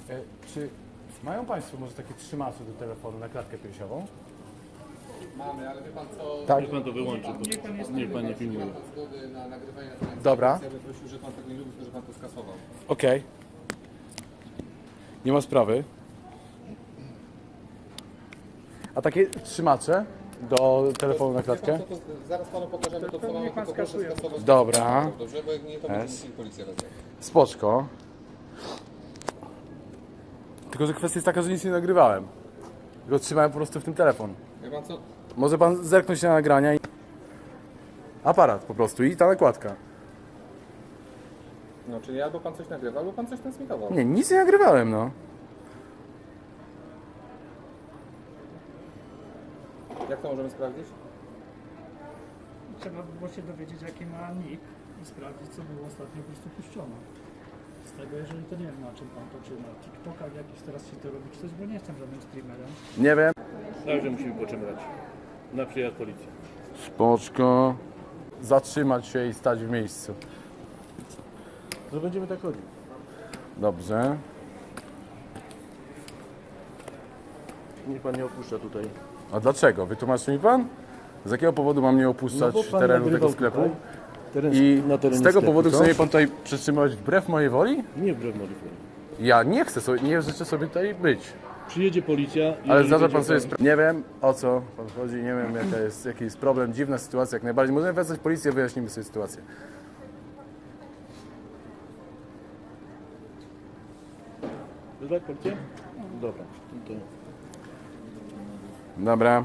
Czy mają Państwo może takie trzymacze do telefonu na klatkę piersiową? Mamy, ale wie pan co? Tak. Niech pan to wyłączy, bo niech pan nie filmuje. Nie ma pan zgody na nagrywanie na telefonie. Dobra. Ja bym prosił, że pan tego nie lubi, to że pan to skasował. Okej. Nie ma sprawy. A takie trzymacze do telefonu na Wie pan klatkę? co, to zaraz panu pokażemy to, co mamy, tylko proszę skasować. Dobra. Dobrze, bo jak nie, to Jest. będzie policja wezwać. Spoczko. Tylko, że kwestia jest taka, że nic nie nagrywałem. Tylko trzymałem po prostu w tym telefon. Wie pan co? Może pan zerknąć na nagrania i... Aparat po prostu i ta nakładka. No, czyli albo pan coś nagrywa, albo pan coś transmitował. Nie, nic nie nagrywałem, no. Jak to możemy sprawdzić? Trzeba by było się dowiedzieć, jaki ma nick i sprawdzić, co było ostatnio po prostu puszczone. Z tego, jeżeli to nie wiem, na czym pan to, czy na TikTokach jakiś teraz się to robi, czy coś, bo nie jestem żadnym streamerem. Nie wiem. Także musimy poczekać na przyjazd policji. Spoczko. Zatrzymać się i stać w miejscu. To będziemy tak chodzić. Dobrze. Niech pan nie opuszcza tutaj. A dlaczego? Wytłumaczy mi pan? Z jakiego powodu mam nie opuszczać bo pan terenu tego nagrywał sklepu? tutaj teren, I na terenie z tego sklepu, powodu co? chce mnie pan tutaj przetrzymywać wbrew mojej woli? Nie wbrew modyfikacji. Ja nie chcę sobie, nie życzę sobie tutaj być. Przyjedzie policja. Ale jeżeli zdarza będzie pan sobie sprawę. Nie wiem o co pan chodzi, nie wiem jaki jest problem, dziwna sytuacja jak najbardziej. Możemy wezwać policję, wyjaśnimy sobie sytuację. Wezwać policję? Dobra. No to... Dobra.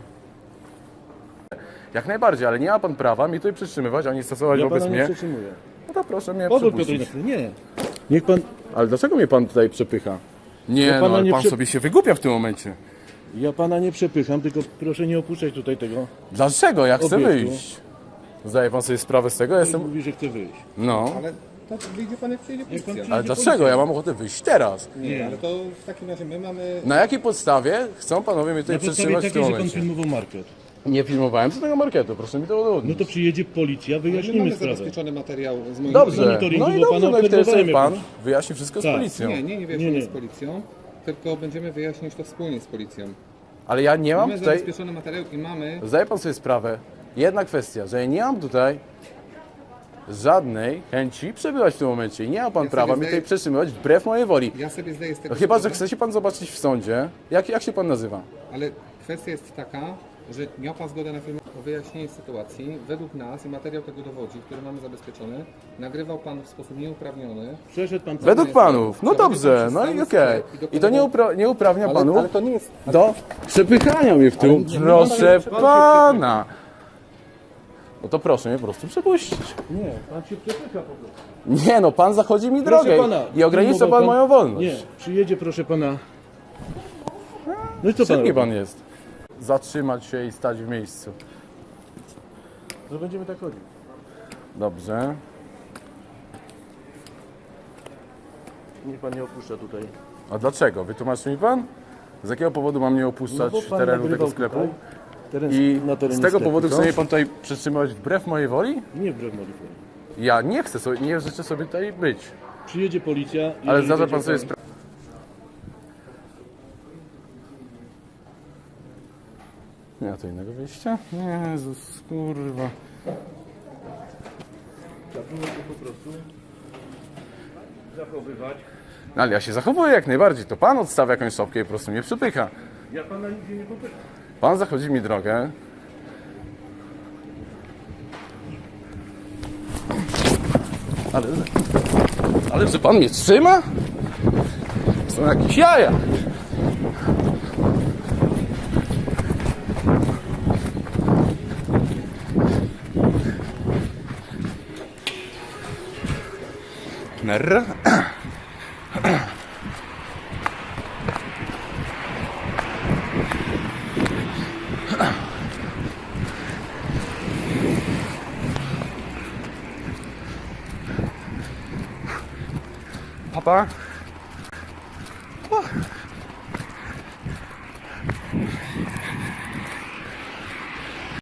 Jak najbardziej, ale nie ma pan prawa mi tutaj przytrzymywać, ani stosować Ja wobec pana nie mnie. przetrzymuję. No to proszę mnie Pozwól przepuścić. Piotr, nie. Niech pan... Ale dlaczego mnie pan tutaj przepycha? Nie, Ja pana no ale nie pan sobie się wygłupia w tym momencie. Ja pana nie przepycham, tylko proszę nie opuszczać tutaj tego. Dlaczego? Ja chcę Obiektu. wyjść. Zdaje pan sobie sprawę z tego? Ja Jestem... jestem... Mówi, że chce wyjść. No. Ale to wyjdzie pan, jak przyjedzie policja. przyjedzie Ale dlaczego? Ja mam ochotę wyjść teraz. Nie, ale to w takim razie my mamy... Na jakiej podstawie chcą panowie mnie tutaj Na podstawie przetrzymać w tym takiej, że pan momencie? filmował market. Nie filmowałem żadnego marketu, proszę mi to No udowodnić. to przyjedzie policja, My wyjaśnimy mamy sprawę. zabezpieczony materiał z moim... Dobrze, monitoringu, no i bo dobrze, pana no i wtedy sobie obserwowałem pan jakoś. wyjaśni wszystko z Tak. policją. Nie wyjaśnimy Nie. z policją, tylko będziemy wyjaśniać to wspólnie z policją. Ale ja nie mam Mamy tutaj... zabezpieczony materiał i mamy... Zdaje pan sobie sprawę, jedna kwestia, że ja nie mam tutaj żadnej chęci przebywać w tym momencie i nie ma pan sobie prawa mi zdaję- tutaj przetrzymywać wbrew mojej woli. Ja sobie zdaję z tego No chyba, że sprawę, chce się pan zobaczyć w sądzie. Jak się pan nazywa? ale kwestia jest taka, że miał pan zgodę na film o wyjaśnienie sytuacji. Według nas i materiał tego dowodzi, który mamy zabezpieczony, nagrywał pan w sposób nieuprawniony. Przeszedł pan... Według panów, no Zawodził pan dobrze, przez no cały i okej. sklep I to nie uprawnia panów Ale to nie jest... do przepychania mnie w tył. nie Proszę pan się pana. No to proszę mnie po prostu przepuścić. Nie, pan się przepycha po prostu. Nie no, pan zachodzi mi Proszę drogę pana, i ogranicza filmował pan moją wolność. Nie, przyjedzie proszę pana... No i co pan Szybki robi? pan jest. Zatrzymać się i stać w miejscu. To będziemy tak chodzić. Dobrze. Niech pan nie opuszcza tutaj. A dlaczego? Wytłumaczy mi pan? Z jakiego powodu mam nie opuszczać bo pan terenu tego nagrywał sklepu? tutaj teren, I na terenie z tego sklepu, powodu co? chce mnie pan tutaj przetrzymywać wbrew mojej woli? Nie wbrew modyfikacji. Ja nie chcę sobie, nie życzę sobie tutaj być. Przyjedzie policja... Ale jeżeli zdarza będzie pan sobie sprawę. Nie ma to innego wyjścia? Jezus, kurwa. Trzeba się po prostu zachowywać. No, ale ja się zachowuję jak najbardziej. To pan odstawia jakąś szopkę i po prostu mnie przypycha. Ja pana nigdzie nie popycham. Pan zachodzi mi drogę. Ale że pan mnie trzyma? Są jakieś jaja. Nerra. Papa?